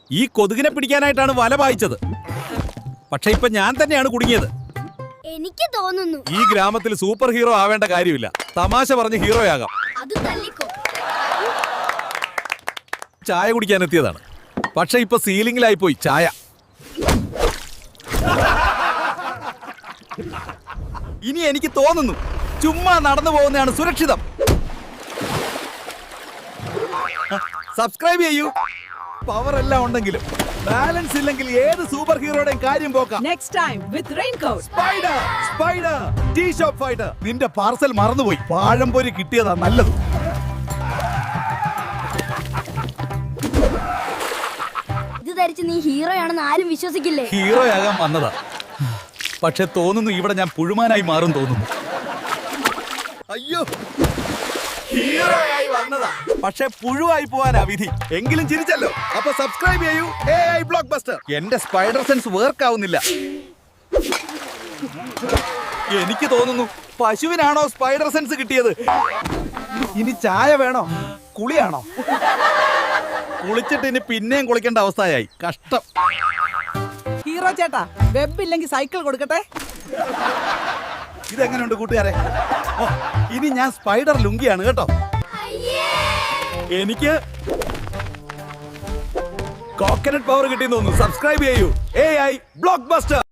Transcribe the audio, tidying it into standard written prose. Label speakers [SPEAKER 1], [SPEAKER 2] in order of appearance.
[SPEAKER 1] ഈ കൊതുകിനെ പിടിക്കാനായിട്ടാണ് വല പായിച്ചത്. പക്ഷെ ഇപ്പൊ ഞാൻ തന്നെയാണ് കുടുങ്ങിയത്.
[SPEAKER 2] എനിക്ക് തോന്നുന്നു
[SPEAKER 1] ഈ ഗ്രാമത്തിൽ സൂപ്പർ ഹീറോ ആവേണ്ട കാര്യമില്ല. തമാശ പറഞ്ഞ് ഹീറോയാകാം.
[SPEAKER 2] അത് തല്ലിക്കോ.
[SPEAKER 1] ചായ കുടിക്കാൻ എത്തിയതാണ്. പക്ഷെ ഇപ്പൊ സീലിംഗിലായി പോയി ചായ. ഇനി എനിക്ക് തോന്നുന്നു ചുമ്മാ നടന്നു പോകുന്നതാണ് സുരക്ഷിതം. സബ്സ്ക്രൈബ് ചെയ്യൂ. പവർ എല്ലാം ഉണ്ടെങ്കിലും ബാലൻസ് ഇല്ലെങ്കിൽ ഏത് സൂപ്പർ ഹീറോയുടെയും കാര്യം പോക്കാം.
[SPEAKER 3] Next time with Raincoat.
[SPEAKER 1] Spider tea shop fighter. നിന്റെ പാർസൽ മറന്നുപോയി. പാഴംപൊരി കിട്ടിയതാ നല്ലത്.
[SPEAKER 2] ഇത് ധരിച്ച് നീ ഹീറോയാണെന്ന് ആരും വിശ്വസിക്കില്ലേ?
[SPEAKER 1] ഹീറോയാകാൻ വന്നതാ. പക്ഷെ തോന്നുന്നു ഇവിടെ ഞാൻ പുഴുമാനായി മാറും തോന്നുന്നു. അയ്യോ, ഹീറോയായി വന്നതാ. പക്ഷെ പുഴുവായി പോവാനാ വിധി. എങ്കിലും ചിരിച്ചല്ലോ. അപ്പൊ സബ്സ്ക്രൈബ് ചെയ്യൂ AI ബ്ലോക്ക് ബസ്റ്റർ. എന്റെ സ്പൈഡർ സെൻസ് വർക്ക് ആവുന്നില്ല. എനിക്ക് തോന്നുന്നു പശുവിനാണോ സ്പൈഡർ സെൻസ് കിട്ടിയത്. ഇനി ചായ വേണോ കുളിയാണോ? കുളിച്ചിട്ട് ഇനി പിന്നെയും കുളിക്കേണ്ട അവസ്ഥയായി. കഷ്ടം.
[SPEAKER 3] ഹീറോ ചേട്ടാ, വെബ് ഇല്ലെങ്കിൽ സൈക്കിൾ കൊടുക്കട്ടെ.
[SPEAKER 1] ഇതെങ്ങനെയുണ്ട് കൂട്ടുകാരെ? ഓ, ഇനി ഞാൻ സ്പൈഡർ ലുങ്കിയാണ് കേട്ടോ. എനിക്ക് കോക്കനട്ട് പവർ കിട്ടിയെന്ന് തോന്നുന്നു. സബ്സ്ക്രൈബ് ചെയ്യൂ AI ബ്ലോക്ക് ബസ്റ്റർ.